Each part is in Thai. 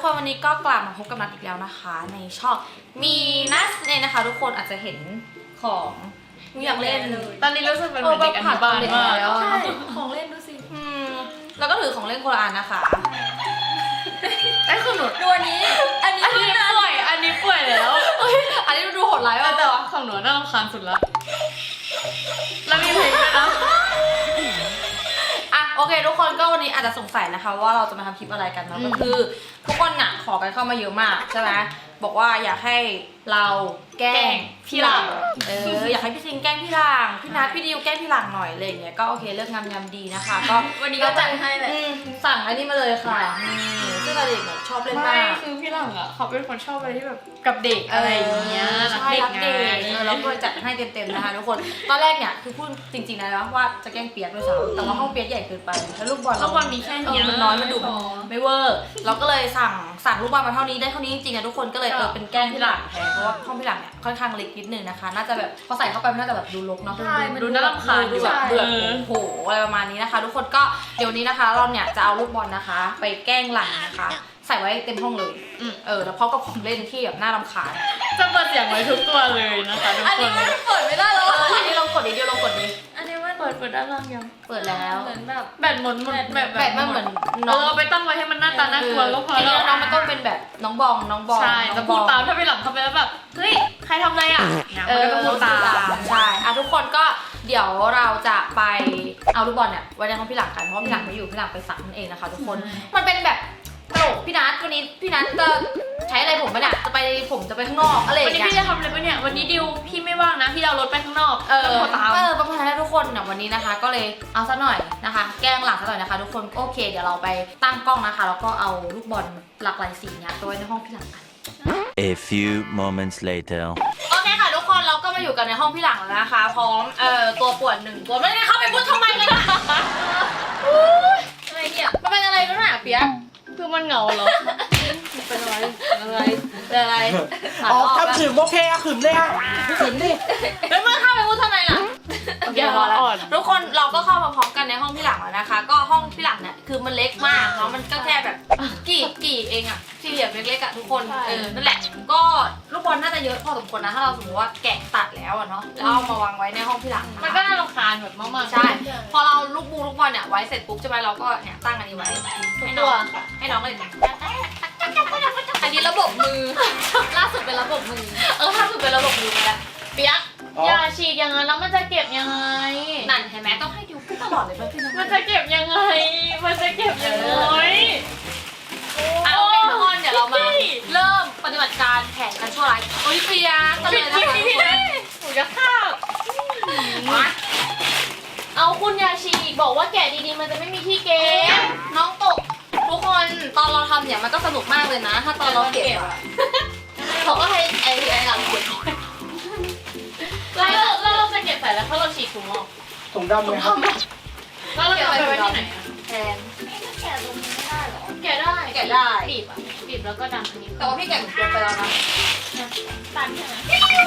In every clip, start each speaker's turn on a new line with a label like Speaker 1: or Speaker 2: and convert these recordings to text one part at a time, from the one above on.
Speaker 1: คนวันนี้ก็กลับมาพบกับนัทอีกแล้วนะคะในช่องมีนัทเนี่ยนะคะทุกคนอาจจะเห็นของอยากเล่น
Speaker 2: ตอนนี้รู้สึกเป็นเหมือนเด็กอนุบาลมาก
Speaker 1: ใช่ของเล่นดูสิแล้วก็ถือของเล่นคนละอันนะคะ
Speaker 2: ไอ้คือหนู
Speaker 1: ดูอันนี้
Speaker 2: อันนี้ป่วยอันนี้ป่วยแล้ว
Speaker 1: อันนี้ดูโหดร้ายมาก
Speaker 2: แต่ว่าของหนูน่ารำคาญสุดละแล้วมีเพลงด้วยนะ
Speaker 1: โอเคทุกคนก็วันนี้อาจจะสงสัยนะคะว่าเราจะมาทำคลิปอะไรกันเนาะก็คือทุกคนน่ะขอกันเข้ามาเยอะมากใช่ไหมบอกว่าอยากให้เราแกล้งพี่หลังอยากให้พี่ซิงแกล้งพี่หลังพี่นัทพี่ดิวแกล้งพี่หลังหน่อยอะไรอย่างเงี้ยก็โอเคเลือกงามดีนะคะก็
Speaker 2: วันนี้ก็จัดให้เลย
Speaker 1: สั่งอันนี้มาเลยค่ะซึ่งเด็กชอบเล่นมาก
Speaker 2: คือพี่หลังอ่ะเขาเป็นคนชอบอะไรที่แบบกับเด็กอะไรอย่างเงี้ย
Speaker 1: ใช่รักเด็กแล้วก็จัดให้เต็มๆนะคะทุกคนตอนแรกเนี่ยคือพูดจริงๆนะว่าจะแกล้งเปียกด้วยซ้ำแต่ว่าห้องเปียกใหญ่เกินไปแล้วลูกบอล
Speaker 2: มีแค่นี้
Speaker 1: มันน้อยมันดุไม่เวอร์เราก็เลยสั่งลูกบอลมาเท่านี้ได้เท่านี้จริงๆนะทุกคนก็เลยเป็นแกล้งพี่หลังแทนเพราะว่าห้องพี่หลังเนี่ยค่อนข้างเล็กนิดนึงนะคะน่าจะแบบพอใส่เข้าไปมันน่าจะแบบดูรกเนาะ
Speaker 2: ดูน่ารำคาญ
Speaker 1: ดูแบบเบื่อโหอะไรประมาณนี้นะคะทุกคนก็เดี๋ยวนี้นะคะเราเนี่ยจะเอาลูกบอลนะคะไปแกล้งหลังนะคะใส่ไว้เต็มห้องเลยแล้วพร้อมกับของเล่นที่แบบน่ารำคาญ
Speaker 2: จะเปิดเสียงไว้ทุกตัวเลยนะคะทุกคนอันนี้
Speaker 1: ไม่เปิดไม่ได้แล้วอันนี้ลองกดดิเดียวลองกดดิ
Speaker 2: อันนี้มันเปิดด้านล่างยัง
Speaker 1: เปิดแล้ว
Speaker 2: เหมือนแบบแบตหมด
Speaker 1: แบบมันเหมือน
Speaker 2: เอาไปตั้งไว้ให้มันหน้าตาน่ากลัวก็พอแล้ว
Speaker 1: น้องมันต้องเป็นแบบน้องบอง
Speaker 2: ใช่จะพูดตามถ้าไปหลังเขาไปแล้วแบบเฮ้ยใครทำอะไรอ่ะมันก็พูดตาม
Speaker 1: ใช่ทุกคนก็เดี๋ยวเราจะไปเอาลูกบอลเนี่ยไว้ในห้องพี่หลังกันเพราะพี่หลังไม่อยู่พี่หลังไปสั่งนั่นเองนะคะทุกคนมันเป็นแบบตลกพี่นัทวันนี้พี่นัทจะใช้อะไรผมปะเนี่ยผมจะไปข้างนอกอะไรอย่างเงี้ย
Speaker 2: วันนี้พี่จะทำอะไรปะเนี่ยวันนี้ดิวพี่ไม่ว่างนะพี่เอารถไปข้างนอก
Speaker 1: ประมาณนั้นทุกคนเนี่ยวันนี้นะคะก็เลยเอาซะหน่อยนะคะแกล้งหลังซะหน่อยนะคะทุกคนโอเคเดี๋ยวเราไปตั้งกล้องนะคะแล้วก็เอาลูกบอลหลากหลายสีเนี่ยไปไว้ในห้องพี่หลังกัน
Speaker 3: A few moments later
Speaker 1: โอเคค่ะทุกคนเราก็มาอยู่กันในห้องพี่หลังแล้วนะคะพร้อมตัวป่วน1ตัวไม่ได้เข้าไปพูดทำไมกันนะอะไรเนี่ยมันเป็นอะไรกันหนาเปียก
Speaker 2: คือมันเหงาเหรอ
Speaker 1: เป็นอะไร
Speaker 4: อ๋อทำขืมโอเคอะขืมเลยอะขืมดิ
Speaker 1: แล้วเมื่อเข้าไปพูดทำไมล่ะโอเคพอแล้วทุกคนเราก็เข้ามาพร้อมกันในห้องพี่หลังแล้วนะคะก็ห้องพี่หลังเนี่ยคือมันเล็กมากเนาะมันก็แค่แบบกี่เองอะสี่เหลี่ยมเล็กๆอะทุกคนนั่นแหละก็ลูกบอลน่าจะเยอะพอสมควรนะถ้าเราสมมติว่าแกะตัดแล้วอะเนาะแล้วเอามาวางไว้ในห้องพี่หลัง
Speaker 2: มันก็น่ารำคาญแบบมากๆ
Speaker 1: ใช่พอเราลูกบอลเนี่ยไว้เสร็จปุ๊บใช่ไหมเราก็เนี่ยตั้งอันนี้ไว้ให้น้องเลยอันนี้ระบบมือล่าสุดเป็นระบบมือล่าสุดเป็นระบบมือไปแล้วเปียก
Speaker 2: อย่าฉีกอย่างนั้นแล้วมันจะเก็บยังไง
Speaker 1: นั่นเห็นไหมต้องให้ดิวพูดตลอดเลยว่าพี่น้อง
Speaker 2: มันจะเก็บยังไง
Speaker 1: เอาเป็นทุกคนเดี๋ยวเรามาเริ่มปฏิบัติการแข่งกันชั่วร้ายโอ้ยเปียกกันเลยนะคะ
Speaker 2: หนูจะฆ่าเอาคุณยาชีบอกว่าแกะดีๆมันจะไม่มีที่เก็บ
Speaker 1: น้องตกทุกคนตอนเราทำเนี่ยมันก็สนุกมากเลยนะถ้าตอนเราเก็บเขาก็ให้ไอ้หลังเก็บ
Speaker 2: แล้วเราจะเก็บใส่แล้วถ้าเราฉีกถุงออก
Speaker 4: ถุงดำเลยครับ
Speaker 2: แล้วเราจะไปไว้ที่ไหน
Speaker 1: แทน
Speaker 2: แกะตรงนี้ไม่ได้หรอแกะได้ บีบแล้วก็ดันอันนี้
Speaker 1: แต่ว่าพี่แกะเกินไปแล้วนะ
Speaker 2: ตันใช่ไหม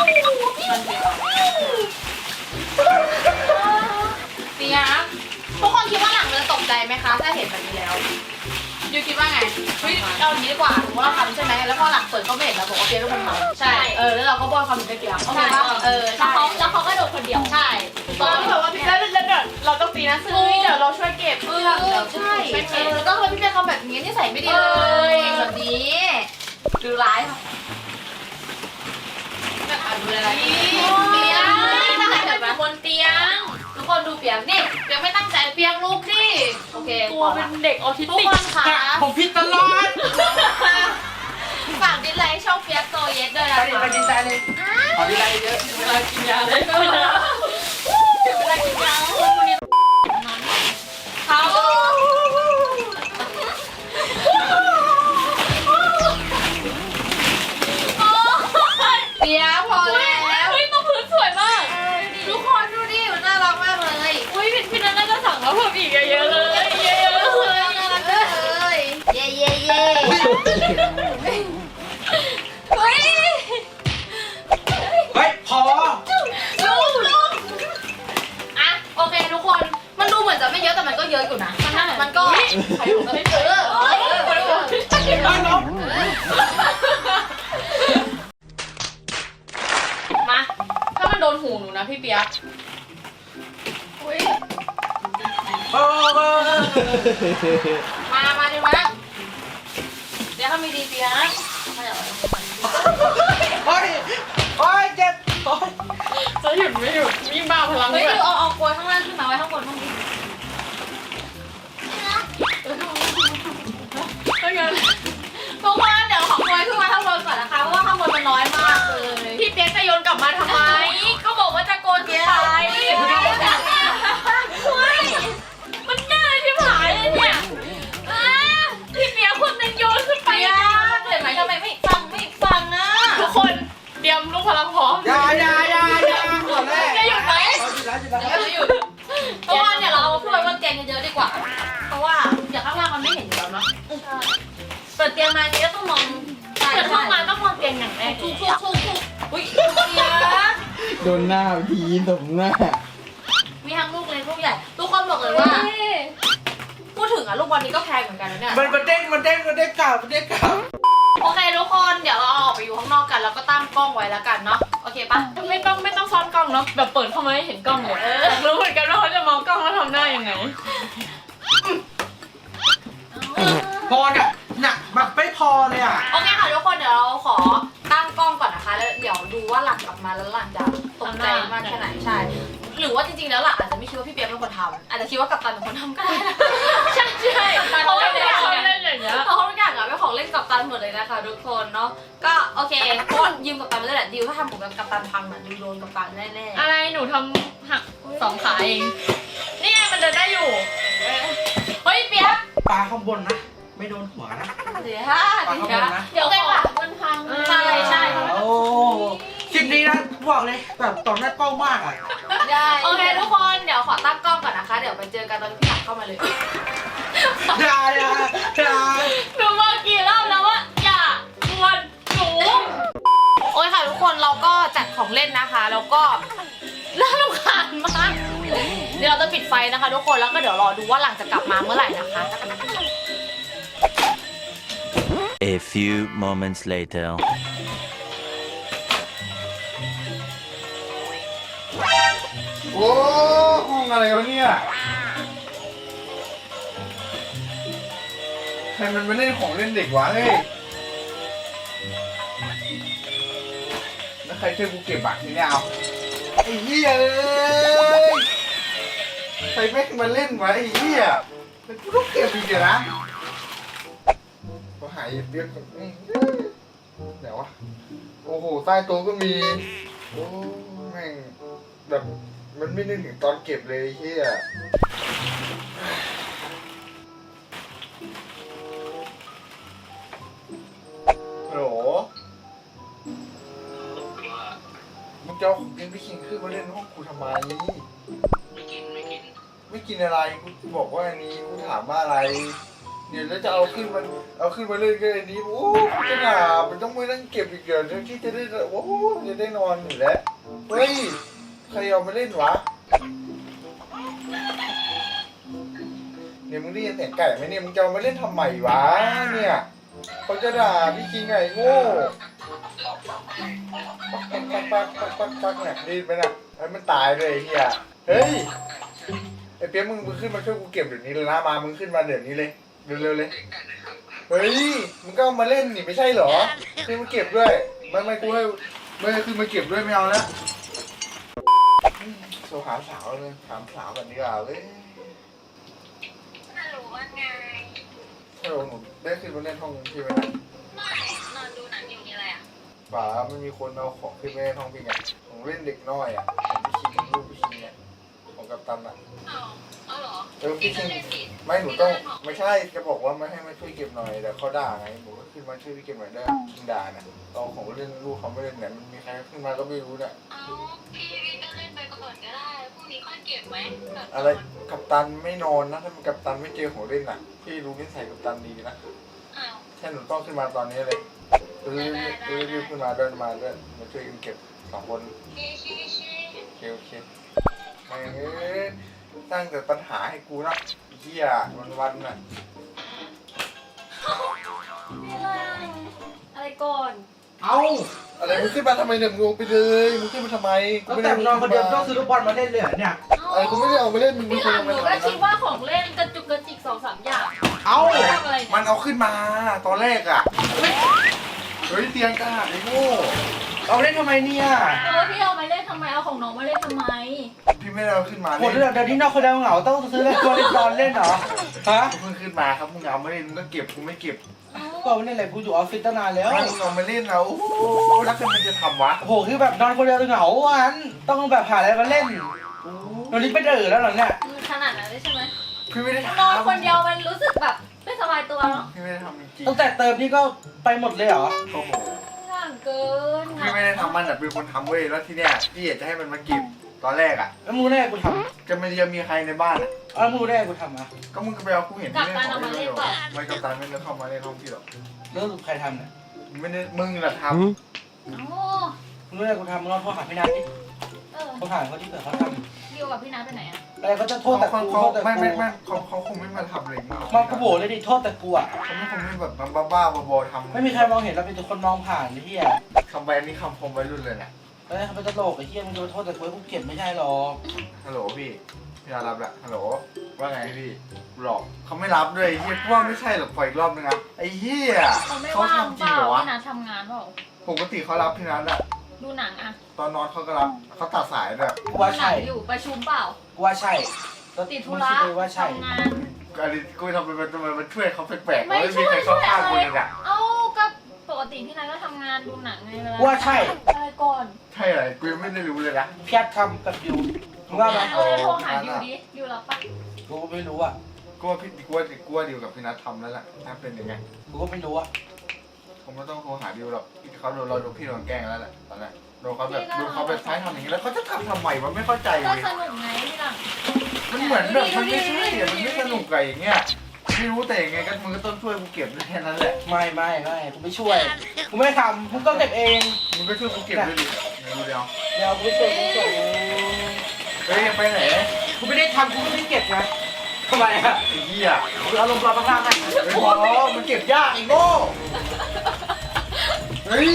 Speaker 1: เปียกทุกคนคิดว่าหลังมันจะตกใจไหมคะถ้าเห็นแบบนี้แล้วยูคิดว่าไงเฮ้ยเอาอย่างนี้ดีกว่าถือว่าเราทำใช่ไหมแล้วพอหลังเปิดก็ไม่เห็นเราบอกว่าเปียกทุกคนทำใช่แล้วเราก็บอยความผิดไปเปียกโอเคป่ะ
Speaker 2: แล้วเขาก็โดดคนเดียว
Speaker 1: ใช่
Speaker 2: ตอนที่แบบว่าพี่แล้วเราต้องตีนะซึ่งเดี๋ยวเราช่วยเก็บ
Speaker 1: ใช่แล้วก็ทำไมพี่เปียกทำแบบนี้นี่ใส่ไม่ดีเลยแบบนี้ดูร้ายค่ะดูอะไรเปียก
Speaker 2: บนเตียง
Speaker 1: ทุกคนดูเปียกนี่เปียกไม่ตั้งใจเปียกลุกดิโอเค
Speaker 2: ตัวเป็นเด็กออทิสติก
Speaker 1: ทุกคนค่ะ
Speaker 4: ผมผิดตลอด
Speaker 1: ฝากดิสไลค์ช่องเปียกโตเย็ดด้วยนะ
Speaker 4: ไปดีใจเลยขอดีใจเยอะ
Speaker 2: เวลากินยาเลยเวลากินยาวันนี้
Speaker 1: เขาเปียกพอแล้ว
Speaker 2: เฮ้ยตัวพื้นสวยมาก
Speaker 1: ทุกคนดูดิมันน่ารักมากเลย
Speaker 2: อุ้ยพี่นันน่าจะสั่งแล้วเพิ่มอีกเยอะเลย
Speaker 1: น่ารักเลยเย่
Speaker 4: เฮ้ยพอ
Speaker 1: ลูก
Speaker 2: เปียกอุ้ย
Speaker 4: โอ้โห
Speaker 1: มาดิมาเดี๋ยวเขามีดีเปียนะขยับ
Speaker 4: โอ้ยโอ้ยเจ็บโอ้ย
Speaker 2: จะหยุดไม่หยุดยิ่งบ้าพลัง
Speaker 1: เฮ้ย
Speaker 2: ด้วย
Speaker 1: เอากลวยข้างล่างขึ้นมาไว้ข้างบนห้องนี้
Speaker 2: ถ้างั้น
Speaker 1: ทุกคนเดี๋ยวของกลวยขึ้นมาข้างบนก่อนนะคะเพราะว่าข้างบนมันน้อยมากเลย
Speaker 2: พี่เปียกจะโยนกลับมาทำไม ก็บอกว่าจะโกนขึ้นไปมันง่ายที่ผายเลยเนี่ยพี่เปียกคนหนึงโยนขึ้นไป
Speaker 1: เห็นไหมทำไมไม่ฟังอ่ะ
Speaker 2: ทุกคนเตรียมลูกพลังพร้อม
Speaker 4: อย่าก่อนแรก
Speaker 2: จะหยุดไหม
Speaker 4: หยุดแล้ว
Speaker 1: หยุดเพราะว่าเนี่ยเราเอาถ้วยบนเตียงเยอะๆดีกว่า เพราะว่าเดี๋ยวข้างล่างมันไม่เห็นอยู่แล้วเนาะเปิดเตียงมาเจ๊ก็ต้องมอง
Speaker 2: เปิดเข้ามาต้องมองเตียงอย่างแรก
Speaker 1: ทุกอุ้ยเสีย
Speaker 5: โดนหน้าพีตบหน้า
Speaker 1: มีทั้งลูกเล็กลูกใหญ่ ทุกคนบอกเลยว่า พูดถึงอะลูกบอลนี้ก็แพงเหมือนกันนะเนี่ย
Speaker 4: มันเด้งกลับ
Speaker 1: โอเคทุกคนเดี๋ยวเราออกไปอยู่ข้างนอกกันแล้วก็ตั้งกล้องไว้แล้วกันเนาะโอเคปะ
Speaker 2: ไม่ต้องซ้อนกล้องเนาะแบบเปิดเข้ามาให้เห็นกล้องเลยอยากรู้เหมือนกันว่าเขาจะมองกล้องแล้วทำหน้ายังไง
Speaker 4: พอเนี่ยหนักแบบไม่พอเลยอ่ะ
Speaker 1: โอเคค่ะทุกคนเดี๋ยวเราขอตั้งกล้องก่อนนะคะแล้วเดี๋ยวดูว่าหลังกลับมาแล้วหลังจะตกใจมากแค่ไหนใช่หรือว่าจริงๆแล้วหลังอาจจะไม่คิดว่าพี่เปียกเป็นคนทำอาจจะคิดว่ากัปตันเป็นคนทำก็ได้นะ
Speaker 2: ใช่เพราะว่าเขาเล่นอย่างเงี้ย
Speaker 1: เพราะทุกอย่างอะเป็นของเล่นกัปตันหมดเลยนะคะทุกคนเนาะก็โอเคเพราะว่ายืมกัปตันมาได้แหละดิวถ้าทำผมกับกัปตันพังอะดิวโดนกัปตันแน่ๆ
Speaker 2: อะไรหนูทำหัก2 ขาเองนี่ไงมันเดินได้อยู่
Speaker 1: เฮ้ยเปียก
Speaker 4: ปลาข้างบนนะไม่โดนหัวนะ
Speaker 1: เดี๋ยว
Speaker 4: ปลาข้างบนนะ
Speaker 1: เดี๋ยวค่ะ
Speaker 2: มันพัง
Speaker 1: ใช่
Speaker 4: โอ้คลิปนี้นะบอกเลยแบบต่อหน้ากล้องมากอ่ะ
Speaker 1: ได้โอเคทุกคนเดี๋ยวขอตั้งกล้องก่อนนะคะเดี๋ยวไปเจอกันตอนที่พี่หลังเข้ามาเลย
Speaker 4: อย่า
Speaker 2: หนูบอกกี่รอบแล้วว่าอย่ากวนหนู
Speaker 1: โอ้ยค่ะทุกคนเราก็จัดของเล่นนะคะแล้วก็น่ารำคาญมากเดี๋ยวเราจะปิดไฟนะคะทุกคนแล้วก็เดี๋ยวรอดูว่าหลังจะกลับมาเมื่อไหร่นะคะ
Speaker 3: A few moments later.
Speaker 5: โอ้ห้องอะไรวะเนี่ยใครมันมาเล่นของเล่นเด็กวะเฮ้ยแล้วใครช่วยกูเก็บบัตรนี่เนี่ยเอาไอ้เหี้ยเลยใครแม่งมาเล่นวะไอ้เหี้ยแล้วกูต้องเก็บอีกเหรอนะก็หายเรียกแบบเดี๋ยววะโอ้โหใต้โต๊ะก็มีโอ้แม่งแบบมันไม่นึกถึงตอนเก็บเลยไอ้เหี้ยฮัลโหลมึงจะเอาของกินพี่คิงขึ้นมาเล่นห้องกูทำไมไม่กินอะไรกูบอกว่าอันนี้กูถามว่าอะไรเดี๋ยวแล้วจะเอาขึ้นมาเล่นก็อันนี้โอ้จะหนามันต้องไม่นั่งเก็บอีกเดี๋ยวที่จะได้โอ้จะได้นอนอยู่แล้วเฮ้ยใครเอามาเล่นวะเนี่ยมึงได้ยินเสียงไก่ไหมเนี่ยมึงจะเอามาเล่นทำไมวะเนี่ยเขาจะด่าพี่คิงไงโง่ปักเนี่ยดีไปนะไอ้มันตายเลยไอ้เฮียเฮ้ยไอ้เปี๊ยกมึงขึ้นมาช่วยกูเก็บเดี๋ยวนี้เลยนะมามึงขึ้นมาเดี๋ยวนี้เลยเร็วๆเลยเฮ้ยมึงก็เอามาเล่นนี่ไม่ใช่เหรอขึ้นมาเก็บด้วยไม่กูให้ไม่ขึ้นมาเก็บด้วยไม่เอานะโทรหาสาวเลยถามสาวกันดีกว่าเลย
Speaker 6: ฮัลโหลว่าไง
Speaker 5: ฮัลโหลหนูได้ขึ้นมาเล่นห้องพี่ไหมนะ
Speaker 6: ไม่นอนดูหนังอยู่นี่อะไรอ่ะ
Speaker 5: ป๋าไม่มีคนเอาของขึ้นมาเล่นห้องพี่ไงของเล่นเด็กน้อยอ่ะของพี่คิงลูกพี่คิงเนี่ยของกัปตันอ่ะ
Speaker 6: เอาเหรอ
Speaker 5: พี่คิง
Speaker 6: เล่นดิ
Speaker 5: ไม่หนูต้องไม่ใช่จะบอกว่าไม่ให้มาช่วยเก็บหน่อยแต่เขาด่าไงหนูก็ขึ้นมาช่วยพี่เก็บหน่อยได้คิงด่าเนี่ยเอาของเล่นลูกเขาไม่เล่นเนี่ยมันมีใครขึ้นมาก็ไม่รู้เนี่ย
Speaker 6: เอาพี่ก็เล่นไปก่อนก็ได้พรุ่งนี้ค่อยเก็บไหม
Speaker 5: อะไรกัปตันไม่นอนนะถ้ามันกัปตันไม่เจอของเล่นอ่ะพี่รู้นิสัยกัปตันดีนะ
Speaker 6: อ้าว
Speaker 5: แค่หนูต้องขึ้นมาตอนนี้เลยรีบขึ้นมาเดินมาด้วยมาช่วยกันเก็บ2 คน
Speaker 6: ชี้
Speaker 5: โอเคไม่สร้างแต่ปัญหาให้กูนะเหี้ยวันน่ะ
Speaker 1: อะไรก่อน
Speaker 4: เอา
Speaker 5: อะไรมึงขึ้นมาทำไมเนี่ยมึงลงไปเลยมึงขึ้นมาทำไม
Speaker 4: ตั้งแต่นอนคนเดียวต้องซื้อลูกบอลมาเล่นเลยเหรอเนี่ย
Speaker 5: อะไรกูไม่ได้เอามาเล่นมึง
Speaker 2: พี่
Speaker 5: ไม่
Speaker 2: ห
Speaker 5: คว
Speaker 2: ลั
Speaker 5: รง เอา
Speaker 2: ห
Speaker 5: มา
Speaker 2: นูก็
Speaker 5: ทำ
Speaker 2: คิดว่าของเล่นกระจุกกระจิก2-3 อย่าง
Speaker 4: เอ้า
Speaker 2: ทำอะไร
Speaker 5: มั
Speaker 2: เนี่ย
Speaker 5: นเอาขึ้นมาตอนแรกอ่ะเฮ้ยเตียงกาไอ้โง่
Speaker 4: เอาเล่นทำไมเนี่ย
Speaker 2: พี่เอามาเล่นทำไมเอาของน้องมาเล่นทำไม
Speaker 5: พี่ไม่ได้เอาขึ้นมา
Speaker 4: คน
Speaker 5: เล่น
Speaker 4: เดี๋ยวนี้นอนคนเดียวเหงาต้องซื้อเล่นตัวเล่นบอลเล่นเหรอฮะ
Speaker 5: เพิ่งขึ้นมาครับมึงเอามาเล่นมึงก็เก็บกูไม่เก็บ
Speaker 4: ก็ไม่เล่นอะไรกูอยู่ออฟฟิศตั้งนานแล้ว
Speaker 5: ไม่มึงเอามาเล่นแล้วโอ้โหแล้วคือมันจะทำวะ
Speaker 4: โอ้โหคือแบบนอนคนเดียวเหงาวันต้องแบบหาอะไรมาเล่นตอนนี้ไปเดือแล้วเหรอเนี่ย
Speaker 2: ขนาดนั้นเลยใช่ไหม
Speaker 5: พี่ไม่ได้ทำ
Speaker 2: นอนคนเดียวมันรู้สึกแบบไม่สบายตัวเนาะ
Speaker 5: พี่ไม่ได้ทำจริง
Speaker 4: ตั้งแต่เติมนี่ก็ไปหมดเลยเหรอ
Speaker 5: ๆโอ้โห
Speaker 2: ห่างเกิน
Speaker 5: พี่ไม่ได้ทำมันแต่เป็นคนทำเว้ยแล้วทีเนี้ยพี่อยากจะให้มันมาเก็บตอนแรกอ่ะ
Speaker 4: แล้วมึงได้กูท
Speaker 5: จะไม่มีใครในบ้านอ่ะ
Speaker 4: ำแล้วมึงได้กูทำอ่ะ
Speaker 5: ก็มึงก็ไปเอากูเห็นที่เล่นของเล่นเลยหรอไม่กับตาไม่ได้เข้ามาเล่นห้องพี่หรอก
Speaker 4: แล้วใครทำเนี่ย
Speaker 5: ไม่ได้มึงแหละท
Speaker 2: โอ้
Speaker 4: มึงได้กูทำมึงลองโทรหาพี่นัทดิ
Speaker 2: เออ
Speaker 4: เขาถามเขาที่เกิดเขาท
Speaker 2: ดิวกับพี่นัทไปไหนอะ
Speaker 4: ำอะไรเขาจะ
Speaker 5: ำ
Speaker 4: โทษแต่กู
Speaker 5: เขา
Speaker 4: โทษแต่
Speaker 5: ไม่
Speaker 4: กู
Speaker 5: ไม่เขาคงไม่มาทำอะไรมึงหรอก
Speaker 4: มากูโบเลยดิโทษแต่กูอ่ะ
Speaker 5: เขาไม่คงไม่แบบบ้าๆบอๆทำ
Speaker 4: ไม่มีใครมองเห็นเราเป็นแต่คนมองผ่านไอ้เหี้ย
Speaker 5: คำใบนี้คำคมวัยรุ่นเลยนะ
Speaker 4: เฮ้ยเขาเป็นตลกไอ้เหี้ยมึงจะมาโทษแต่กูกูเกลียดไม่ใช่หรอก
Speaker 5: ฮัลโหลพี่พี่รับละฮัลโหลว่าไงพี่หลอกเขาไม่รับด้วยไอ้เฮียว่าไม่ใช่หรอกปล่อยอีกรอบนึงครับไอ้เฮีย
Speaker 2: เขาไม่
Speaker 5: เขา
Speaker 2: ว่าง
Speaker 5: ทำจ
Speaker 2: เป
Speaker 5: ริง
Speaker 2: ล่า
Speaker 5: เหรอวะ
Speaker 2: พี่นัททำงานเปล่า
Speaker 5: ปกติเขารับพี่นัทอะ
Speaker 2: ดูหนังอะ
Speaker 5: ตอนนอนเขาก็รับเขาตัดสายด้วย
Speaker 4: กูว่า
Speaker 2: ดูหนั
Speaker 4: ใช่
Speaker 2: งอยู่ประชุมเปล่า
Speaker 4: กูว่าใช่แล้ว
Speaker 2: ติดธุ
Speaker 4: มึง
Speaker 2: ระ
Speaker 4: คิดเลยว่าใช่
Speaker 2: ทำงาน
Speaker 5: อันนี้กูทำเป็นมันช่วยเขาแปลกๆ
Speaker 2: ไม่
Speaker 5: ไม่
Speaker 2: ช่
Speaker 5: มี
Speaker 2: วย
Speaker 5: ใคร
Speaker 2: ช่
Speaker 5: เข้า
Speaker 2: วย
Speaker 5: ข้าง
Speaker 2: อะ
Speaker 5: กู
Speaker 2: ไร
Speaker 5: เลยอะ
Speaker 2: เอ้าก็ปกติพี่นัทก็ทำงานดูหนังไงเวลา
Speaker 4: กูว่าใช่
Speaker 2: อะไรก่อน
Speaker 5: ใช่อะไรกูยังไม่ได้รู้เลยนะ
Speaker 4: พี่แอดทำกับยูมึงว่าไหม
Speaker 2: โทรหาดิวดิดิวรับปะ
Speaker 4: กูก็ไม่รู้อ่ะ
Speaker 5: กูว่าดิวกับพี่นัททำแล้วแหละถ้าเป็นยังไง
Speaker 4: กูก็ไม่รู้อ่ะ
Speaker 5: ผมไม่ต้องโทรหาดิวหรอกเขาโดนเราโดนพี่โดนแกล้งแล้วแหละตอนแรกโดนเขาแบบใช้ทำอย่างนี้แล้วเขาจะทำไมวะไม่เข้าใจ
Speaker 2: ก็
Speaker 5: เลย
Speaker 2: สนุกไงพี่หลัง
Speaker 5: มันเหมือนแบบมันไม่ใช่อะมันไม่สนุกไงอย่างเงี้ยไม่รู้แต่ยังไงก็มึงก็ต้องช่วยกูเก็บแค่นั้นแหละ
Speaker 4: ไม่กูไม่ช่วยกูไม่ได้ทำมึงก็เก็บเอง
Speaker 5: มึงก็ช่วยกูเก็บด้วยดิเดี๋ยว
Speaker 4: เดี๋ยวกูไม่ช่วยกูเก็บเอง
Speaker 5: เฮ้ยไปไหน
Speaker 4: กูไม่ได้ทำกูไม่ได้เก็บนะทำไมอ่ะ
Speaker 5: ไอ้เหี้ย
Speaker 4: กูเอาลงปลาข้างล่างให้
Speaker 5: ไม่พอมันเก็บยากไอ้โง่เฮ้ย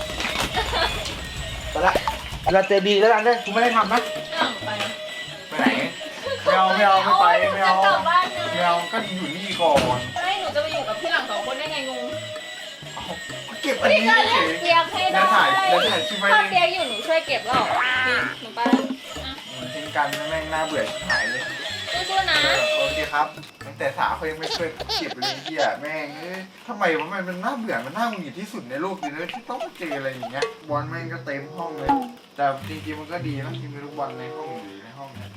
Speaker 4: ไปละเวลาเจอดีแล้วกันเลยกูไม่ได้ทำนะ
Speaker 2: หลังไป
Speaker 5: ไปไหนไม่เอาไม่ไปไม่เอา
Speaker 2: จะกลับบ้านไง
Speaker 5: ไม่เอาก็อยู่นี่ก่อน
Speaker 2: ไม่หนูจะไปอยู่กับพี่หลัง2 คนได้ไงงง
Speaker 5: ก็เก็บอัน
Speaker 2: พี่
Speaker 5: นี้
Speaker 2: ก็
Speaker 5: เฉ
Speaker 2: เล่น
Speaker 5: ย
Speaker 2: เปียกให้ได้
Speaker 5: แล้วถ่ายชิมไว้
Speaker 2: ถ้า
Speaker 5: เลย
Speaker 2: เปียกอยู่หนูช่วยเก็บแล้วนี่หนูไปแล้ว
Speaker 5: ทิ้งกันแม่งน่าเบื่อชิบหายเลย
Speaker 2: สู้ๆนะ
Speaker 5: โอเคครับตั้งแต่สาเขายังไม่ช่วยเก็บเลยเฮียแม่งทำไมวะมันน่าเบื่อมันน่าหงุดหงิดที่สุดในโลกเลยนะที่ต้องเจออะไรอย่างเงี้ยบอลแม่งก็เต็มห้องเลย แต่จริงๆมันก็ดีนะที่มีลูกบอลในห้องอยู่ในห้องเนี่ย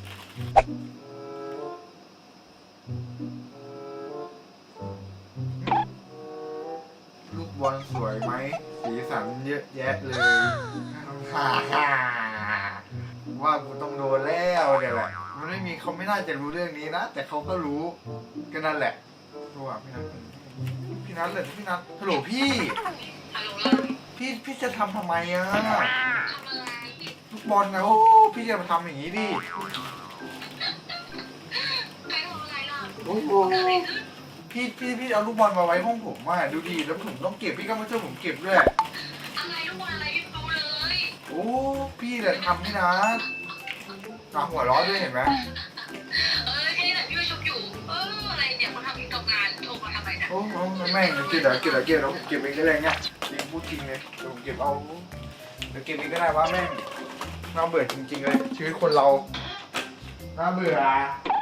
Speaker 5: ลูกบอลสวยไหมสีสันเยอะแยะเลยฮ่าฮ่าว่ากูต้องโดนแล้วเดี๋ยวแหละมันไม่มีเขาไม่น่าจะรู้เรื่องนี้นะแต่เขาก็รู้ก็นั่นแหละรู้อ่ะพี่นัทเลยพี่นัทฮัลโหลพี่พี่จะทำไมอ่ะลูกบอลนะโอ้พี่จะมาทำอย่างนี้ดิโอ้โหพี่เอาลูกบอลมาไว้ห้องผมอ่ะดูดีแล้วผมต้องเก็บพี่ก็มาช่วยผมเก็บด้วย
Speaker 6: อะไรทุกวันอะไรดูเลย
Speaker 5: โอ้พี่แหละทำนี่นะตาหัวร้อนด้วยเห็นไหม
Speaker 6: แค่นี้แหละพี่ไปชุบอยู่อะไรเนี่ยคนทำตกงานโทรมาทำไมเนี่ย
Speaker 5: โอ้แม่งเก็บแล้วผมเก็บเองได้เลยเนี่ยจริงพูดจริงเลยเดี๋ยวผมเก็บเอาเดี๋ยวเก็บเองก็ได้ว่าแม่งน่าเบื่อจริงๆเลยชีวิตคนเราน่าเบื่อ